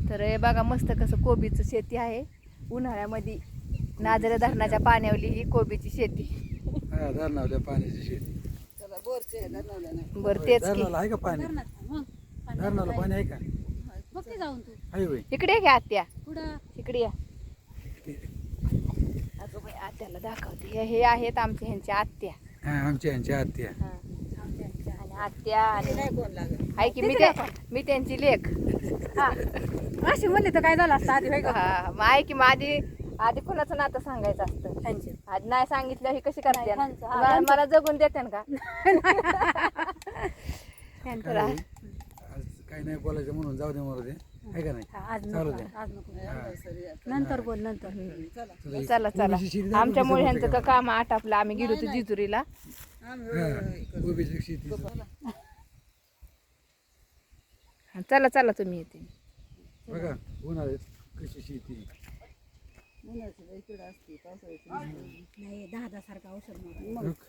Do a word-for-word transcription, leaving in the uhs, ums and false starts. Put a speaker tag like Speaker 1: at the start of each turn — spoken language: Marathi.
Speaker 1: तर हे बघा मस्त कसं कोबीचं शेती आहे उन्हाळ्यामध्ये नाजरे धरणाच्या पाण्यावली ही कोबीची शेती.
Speaker 2: हा धरणावल्या पाण्याची शेती.
Speaker 1: बरं तेच की
Speaker 2: धरणाला आहे का पाणी?
Speaker 3: मग
Speaker 2: धरणाला पाणी आहे का?
Speaker 3: बघ ते जाऊन तू
Speaker 2: आहे होय.
Speaker 1: इकडे घ्या आत्या,
Speaker 3: पुढं
Speaker 1: इकडे या. अगं बाई आत्याला दाखवते. हे हे आहेत आमच्या ह्यांच्या आत्या.
Speaker 2: हा आमच्या यांच्या आत्या.
Speaker 1: हा. आणि आत्या आणि आहे की मी त्या मी त्यांची लेख.
Speaker 3: हा अशी म्हणली तर काय झालं असतं आधी होय का?
Speaker 1: हा मग आहे की मग आधी आधी कोणाचं नातं सांगायचं असतं.
Speaker 3: त्यांचे.
Speaker 1: आधी नाही सांगितलं ही कशी करते
Speaker 3: नाही, ह्यांचं, हा,
Speaker 1: मला
Speaker 3: ह्यांचं.
Speaker 1: मला जगून देते का?
Speaker 2: काय होय? आज काय नाही बोलायचं म्हणून जाऊ दे मला ते आहे का नाही?
Speaker 3: हा, आज
Speaker 2: चालू
Speaker 3: नको
Speaker 2: द्या.
Speaker 3: आज नको नंतर बोल नंतर
Speaker 2: तुला एक
Speaker 1: चला चला
Speaker 2: कोबीची शेती दाखव
Speaker 1: आमच्यामुळे
Speaker 2: कसं
Speaker 1: ह्यांचं
Speaker 2: करते
Speaker 1: का काम आटापलं आम्ही गेलो होतो जिजुरीला.
Speaker 2: का? हा, कोबीची शेती.
Speaker 1: हा, चला चला तुम्ही येते.
Speaker 2: बघा उन्हाळ्यात कशी शेती.
Speaker 3: नाही दहा दहा सारखा औषध मारा.
Speaker 2: बघ,